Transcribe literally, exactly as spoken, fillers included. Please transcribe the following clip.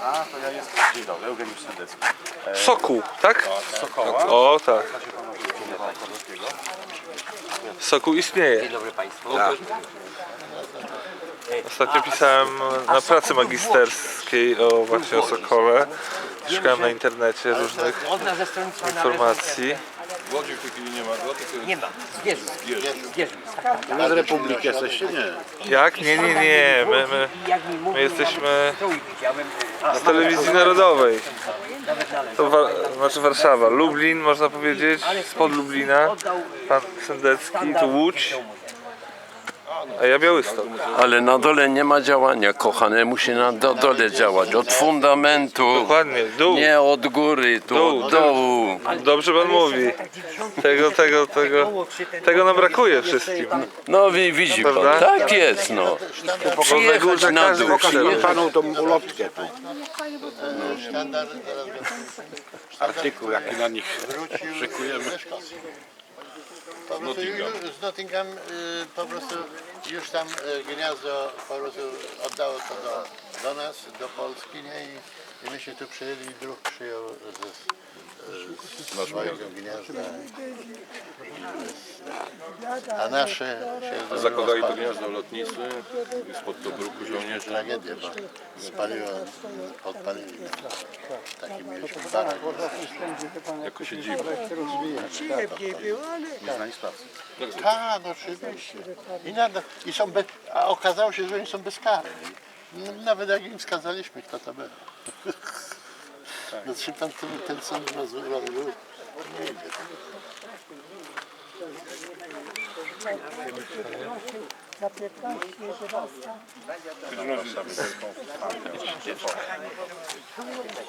A, to ja jestem. Dzień dobry, Eugeniusz Sendecki. E, Sokół, tak? Sokoła. O, tak. Sokół istnieje. Dzień dobry Państwu. Ostatnio pisałem na pracy magisterskiej o właśnie o Sokole. Szukałem na internecie różnych Od nas ze stronnictwa informacji. W Łodzi w tej chwili nie ma go, tylko nie ma. Zwierzę. Zwierzę. Z Republiki jesteście? Nie. Jak? Nie, nie, nie. My, my, Jak mi mówił, my jesteśmy to widziałem. z telewizji narodowej. Nawet nawet. To wa znaczy Warszawa. Lublin, można powiedzieć, spod Lublina. Pan Sendecki, tu Łódź, a ja Białystok. Ale na dole nie ma działania, kochane, musi na do, dole działać, od fundamentu, Dokładnie, dół. nie od góry, tu Dół, od dołu. Dobrze pan mówi. Tego, tego, tego, tego nam brakuje wszystkim. No wi- widzi pan, Prawda? tak jest, no. Przyjechać na każdy dół, chce. przyjechać. Panu tą ulotkę tu. Artykuł, jaki na nich szykujemy. Po prostu z Nottingham y, po prostu już tam y, gniazdo po prostu oddało to do, do nas, do Polski, nie? I, i myśmy tu przyjęli i druh przyjął ze swojego gniazda. A nasze się zakładali to rozpadło. gniazdo lotnicy spod Tobruku żołnierzy. Tragedia, bo spaliło, podpalili taki mieliśmy barak. Jako się dziwi. Nieznani sprawcy. Tak, no oczywiście. I, na, i są be, a okazało się, że oni są bezkarni. No, nawet jak im skazaliśmy, kto to był. No czy pan ten, ten sąd roz- robił? Nie idzie. Za piętnaście, jedenaście.